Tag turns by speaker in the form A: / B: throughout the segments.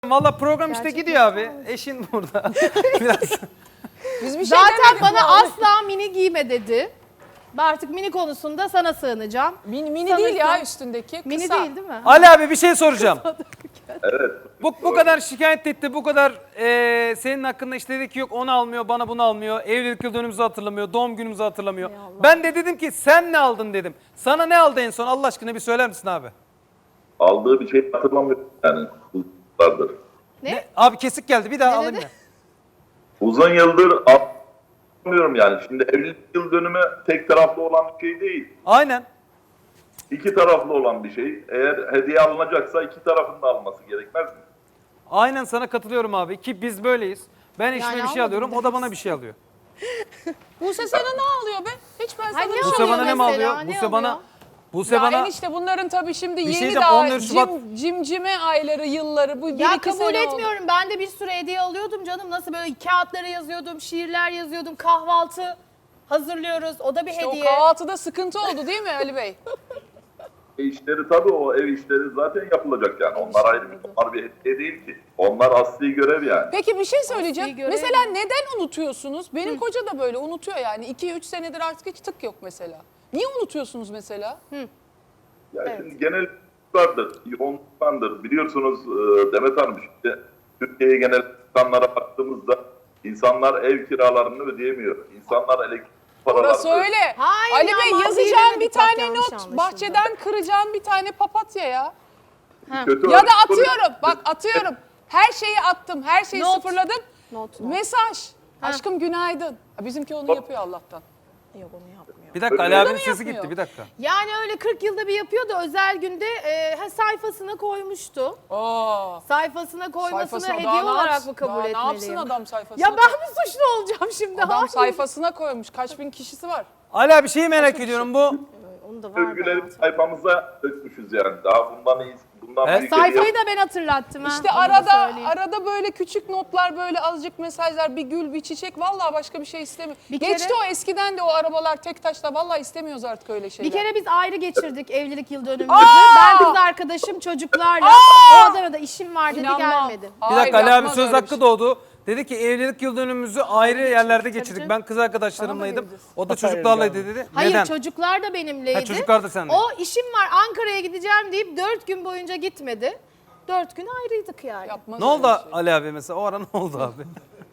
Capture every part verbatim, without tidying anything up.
A: Valla program işte
B: Gerçekten
A: gidiyor abi.
B: olmuş.
A: Eşin burada. Biraz.
C: Biz bir şey
B: Zaten
C: demedik
B: bana
C: vallahi.
B: asla mini giyme dedi. Ben artık mini konusunda sana sığınacağım.
C: Mini, mini
B: Sanırsın-
C: değil ya üstündeki. Kısa.
B: Mini değil değil mi?
A: Ali abi bir şey soracağım.
D: Evet.
A: Bu, bu kadar şikayet etti, bu kadar e, senin hakkında işte dedi ki yok onu almıyor, bana bunu almıyor, evlilik yıl dönümümüzü hatırlamıyor, doğum günümüzü hatırlamıyor.
B: Ey Allah.
A: Ben de dedim ki sen ne aldın dedim. Sana ne aldı en son Allah aşkına bir söyler misin abi?
D: Aldığı bir şey hatırlamıyorum yani. Uzunlardır.
B: Ne?
A: Abi kesik geldi bir daha
B: Ne
A: alayım
B: dedi?
A: ya.
D: Uzun yıldır hatırlamıyorum yani. Şimdi evlilik yıl dönümü tek taraflı olan bir şey değil.
A: Aynen.
D: İki taraflı olan bir şey. Eğer hediye alınacaksa iki tarafın da alması gerekmez mi?
A: Aynen sana katılıyorum abi ki biz böyleyiz. Ben eşime
B: Yani
A: bir şey
B: almadım
A: alıyorum, o da
B: demek
A: bana bir şey alıyor.
C: Buse sana ne alıyor be? Hiç ben sana
B: Ay, ne
C: bir şey
A: Buse
B: alıyor
A: bana ne mi
B: mesela?
A: alıyor?
B: Ne
A: Buse bana...
B: alıyor?
A: Buse
C: Ya
A: bana...
C: enişte bunların tabii şimdi
A: Bir şey
C: yeni
A: diyeceğim,
C: daha
A: on dört Şubat
C: cim, cimcime ayları, yılları. Bu bir
B: Ya
C: iki
B: kabul
C: sene oldu.
B: etmiyorum. Ben de bir sürü hediye alıyordum canım. Nasıl böyle kağıtlara yazıyordum, şiirler yazıyordum, kahvaltı hazırlıyoruz. O da bir
C: İşte
B: hediye.
C: o kahvaltıda sıkıntı oldu değil mi Ali Bey?
D: E işleri tabii o ev işleri zaten yapılacak yani. Onlar ayrı bir, onlar bir hediye değil ki. Onlar asli görev yani.
C: Peki bir şey söyleyeceğim.
B: Asli görev
C: Mesela
B: mi?
C: neden unutuyorsunuz? Benim koca da böyle unutuyor yani. iki üç senedir artık hiç tık yok mesela. Niye unutuyorsunuz mesela?
D: Yani
B: Evet.
D: şimdi genel vardır, yoğunluktandır. Biliyorsunuz e, Demet Hanım şimdi Türkiye'ye genel insanlara baktığımızda insanlar ev kiralarını ödeyemiyor. İnsanlar elektrik paralarını
C: Orası öyle.
B: Hayır
C: Ali
B: ya,
C: Bey
B: maddi
C: yazacağım
B: demedik,
C: bir
B: bak
C: tane
B: yanlış
C: not.
B: anlaşıldı.
C: Bahçeden kıracağım bir tane papatya ya.
D: kötü
C: Ya da
D: örnek-
C: atıyorum. Bak atıyorum. Her şeyi attım. Her şeyi
B: Not.
C: sıfırladım.
B: Not, not.
C: Mesaj. Aşkım günaydın. Ha, bizimki onu yapıyor Allah'tan.
B: Yok onu yapmıyor.
A: Bir dakika
D: Öyle
A: Ali
D: de
A: abinin
C: mi
A: sesi
C: yapmıyor?
A: gitti bir dakika.
B: Yani öyle kırk yılda bir yapıyor da özel günde e, ha, sayfasına koymuştu.
C: Aa.
B: Sayfasına koymasını
C: Sayfasına
B: hediye
C: daha ne
B: olarak
C: yapsın?
B: mı kabul
C: Daha
B: etmeliyim?
C: ne yapsın adam sayfasına?
B: Ya ben mi suçlu olacağım şimdi?
C: Adam
B: Hayır.
C: sayfasına koymuş. Kaç bin kişisi var?
A: Ali abi şeyi merak ediyorum bu.
B: Onu da var
D: övgüleri
B: da.
D: sayfamıza dökmüşüz yani. Daha bundan iyi, bundan
A: Evet.
D: büyük hediye-
B: Sayfayı da ben hatırlattım ha.
C: İşte
B: onu da
C: arada
B: söyleyeyim.
C: arada böyle küçük notlar, böyle azıcık mesajlar, bir gül, bir çiçek. Vallahi başka bir şey istemiyor.
B: Bir
C: Geçti
B: kere-
C: o eskiden de o arabalar tek taşla. Vallahi istemiyoruz artık öyle şeyler.
B: Bir kere biz ayrı geçirdik evlilik yıl dönümümüzü.
C: Aa!
B: Ben kız arkadaşım çocuklarla.
C: Aa!
B: O adama da işim var dedi
C: İnanmam.
B: gelmedi.
A: Bir
C: Hayır,
A: dakika Ali abi
C: yapmaz
A: söz
C: öyle bir
A: hakkı
C: şey.
A: doğdu. Dedi ki evlilik yıl dönümümüzü ayrı yerlerde geçirdik.
B: canım.
A: Ben kız arkadaşlarımlaydım.
C: geleceğiz.
A: O da çocuklarlaydı dedi.
B: Hayır
A: Neden?
B: çocuklar da benimleydi.
A: Ha, çocuklar da sende.
B: O işim var Ankara'ya gideceğim deyip dört gün boyunca gitmedi. Dört gün ayrıydık yani.
C: Yapmaz
A: Ne
C: öyle
A: oldu
C: bir şey.
A: Ali abi mesela? O ara ne oldu abi?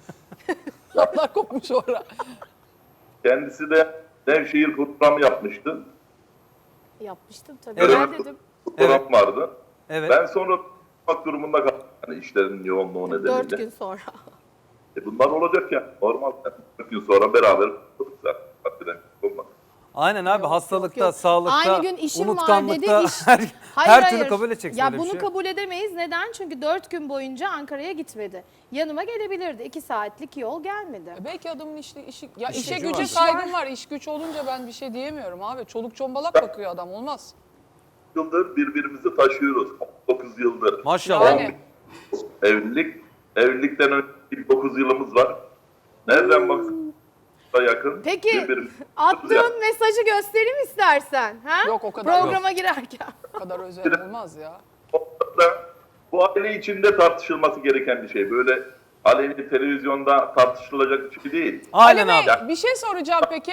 C: Laflar kopmuş orada.
D: Kendisi de Nevşehir programı yapmıştı.
B: Yapmıştım tabii.
A: Evet.
B: Ben dedim
D: Program vardı.
A: Evet.
D: Ben sonra tutmak durumunda kaldım. Yani işlerin yoğunluğu
B: dört
D: nedeniyle.
B: gün sonra.
D: E bunlar olacak ya. Normal. Yani. dört gün sonra beraber oturduk zaten. Hakikaten olmaz.
A: Aynen abi
B: Yok,
A: hastalıkta,
B: yok, yok.
A: sağlıkta,
B: Aynı gün işim var dedi.
A: unutkanlıkta
B: Iş...
A: her,
B: Hayır,
A: her
B: hayır.
A: türlü kabul edeceksin
B: Ya
A: öyle bir
B: bunu
A: şey.
B: kabul edemeyiz. Neden? Çünkü dört gün boyunca Ankara'ya gitmedi. Yanıma gelebilirdi. İki saatlik yol gelmedi.
C: E belki adamın işi, işi ya
A: İşi
C: işe
A: gücü
C: güce
A: var.
C: saygım var. İş güç olunca ben bir şey diyemiyorum abi. Çoluk çombalak bakıyor adam, olmaz.
D: Yıldır birbirimizi taşıyoruz. dokuz yıldır.
A: Maşallah.
C: Yani.
D: Evlilik. Evlilikten önce dokuz yılımız var. Nereden baksan da yakın.
B: Peki
D: birbirimizi
B: attığın
D: taşıyoruz
B: mesajı göstereyim istersen. Ha?
C: Yok, o kadar
B: Programa girerken.
C: O kadar özel olmaz ya.
D: yani. Da bu aile içinde tartışılması gereken bir şey. Böyle aleni televizyonda tartışılacak bir şey değil.
A: Aynen
C: Ali Bey,
A: abi.
C: bir şey soracağım peki.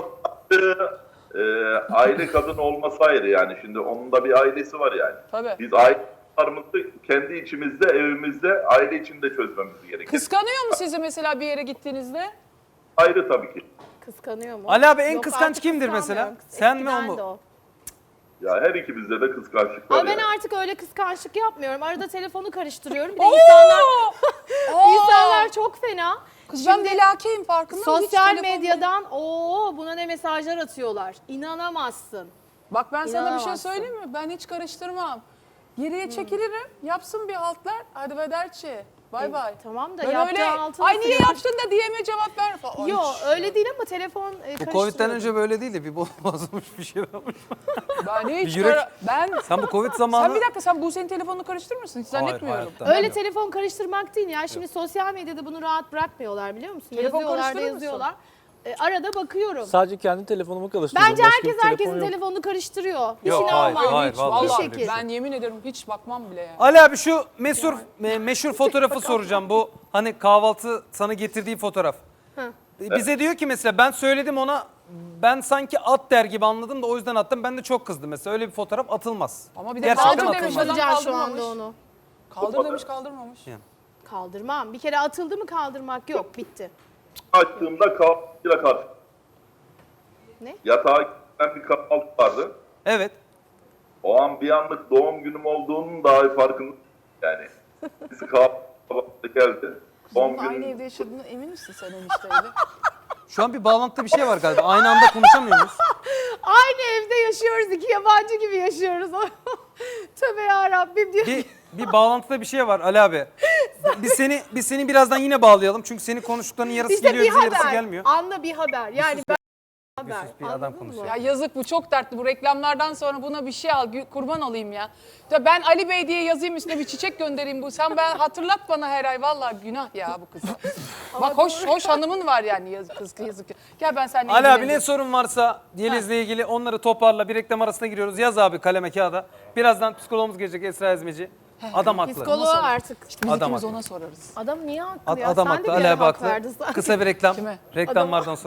D: Ee, aile kadın olması ayrı yani. Şimdi onun da bir ailesi var yani.
C: Tabii.
D: Biz ailelerimizi kendi içimizde, evimizde, aile içinde çözmemiz gerekiyor.
C: Kıskanıyor mu sizi mesela bir yere gittiğinizde?
D: Ayrı tabii ki.
B: Kıskanıyor mu?
A: Ali abi en
B: Yok,
A: kıskanç
B: artık
A: kimdir
B: kıskanmıyorum.
A: mesela? Sen mi, o
B: Eskiden
A: mu?
B: de o.
D: Ya her ikimizde de kıskançlık var
B: Ama ben
D: yani.
B: artık öyle kıskançlık yapmıyorum. Arada telefonu karıştırıyorum. Bir de insanlar, insanlar çok fena.
C: Kız ben
B: Şimdi
C: delakeyim, farkında mısın? Hiç
B: sosyal
C: telefon-
B: medyadan o buna ne mesajlar atıyorlar. İnanamazsın.
C: Bak ben sana bir şey
B: İnanamazsın.
C: söyleyeyim mi? Ben hiç karıştırmam. Geriye çekilirim, yapsın bir haltlar. Hadi vederçi. Bay
B: E,
C: bay.
B: tamam da
C: Ben
B: yaptığı
C: öyle,
B: altına
C: ay niye
B: siliyor.
C: yaptın da diyeme cevap ver falan. Ay,
B: Yok
C: şş.
B: öyle değil ama telefon e,
A: Bu
B: karıştırıyor.
A: Covid'den önce böyle değildi. Bir bol bozmuş bir şey olmuş.
C: Ben hiç
A: Yürek-
C: kara- Ben...
A: Sen bu Covid zamanı...
C: Sen bir dakika, sen Buse'nin telefonunu karıştırır mısın? Hiç
A: Hayır,
C: zannetmiyorum.
A: hayatta.
B: Öyle telefon karıştırmak değil ya. Şimdi sosyal medyada bunu rahat bırakmıyorlar biliyor musun?
C: Telefon
B: Yazıyorlar da
C: karıştırır mısın?
B: yazıyorlar. e, arada bakıyorum.
E: Sadece kendi telefonumu karıştırıyorum.
B: Bence
E: Başka
B: herkes
E: bir telefon
B: herkesin
E: yok.
B: telefonunu karıştırıyor.
A: Yok,
B: İşine
A: hayır,
B: almam.
A: hayır,
C: Hiç,
A: vallahi.
C: vallahi
B: Bir şekil.
C: ben yemin ederim hiç bakmam bile yani.
A: Ali abi şu meşhur me- meşhur fotoğrafı soracağım. Bu hani kahvaltı sana getirdiği fotoğraf. Bize diyor ki mesela ben söyledim ona, ben sanki at der gibi anladım da o yüzden attım. Ben de çok kızdım mesela. Öyle bir fotoğraf atılmaz.
C: Ama bir de
A: Gerçekten
C: kaldır demiş
A: atılmaz.
C: adam,
B: Kaldıracağım şu
C: kaldırmamış.
B: anda onu.
C: Kaldır demiş, kaldırmamış.
B: Kaldırmam. Bir kere atıldı mı kaldırmak yok. Bitti.
D: Açtığımda kahvaltıyla karşı.
B: Ne?
D: Yatağa giden bir kahvaltı vardı.
A: Evet.
D: O an bir anlık doğum günüm olduğunun daha farkında yani. Birisi kahvaltı geldi. Doğum
C: Bunun aynı
D: günü
C: evde yaşadığına emin misin sen enişteyle?
A: Şu an bir bağlantıda bir şey var galiba. Aynı anda konuşamıyor muyuz?
B: Aynı evde yaşıyoruz. İki yabancı gibi yaşıyoruz. Tövbe yarabbim diyor.
A: Bir bir bağlantıda bir şey var Ali abi. Biz seni biz seni birazdan yine bağlayalım. Çünkü senin konuştuklarının yarısı
B: İşte
A: geliyor,
B: bir
A: bize yarısı
B: haber.
A: gelmiyor.
B: Anla bir haber. Yani ben
A: Bir
B: haber.
A: sus, bir adam
B: Anladın
A: konuşuyor.
B: mı?
C: Ya yazık, bu çok dertli. Bu reklamlardan sonra buna bir şey al, gü- kurban olayım ya. Ya ben Ali Bey diye yazayım, üstüne bir çiçek göndereyim bu. Sen ben hatırlat bana her ay, vallahi günah ya bu kıza. Bak hoş hoş hanımın var yani, yazık kız, yazık. Gel ben seninle
A: Ali abi ne
C: ilgileneceğim.
A: sorun varsa Yeliz'le ilgili onları toparla. Bir reklam arasına giriyoruz. Yaz abi kaleme kağıda. Birazdan psikologumuz gelecek, Esra Ezmeci. Adam haklı.
B: Psikoloğu artık.
C: Biz
A: Adam
C: ikimiz
A: haklı.
C: ona sorarız.
B: Adam niye haklı
A: Ad-
B: ya?
A: Adam
B: Sen de
A: haklı.
B: bir
A: Ali
B: ara
A: abi
B: hak
A: haklı.
B: verdin sanki.
A: Kısa bir reklam.
C: Kime?
A: Reklamlardan sonra.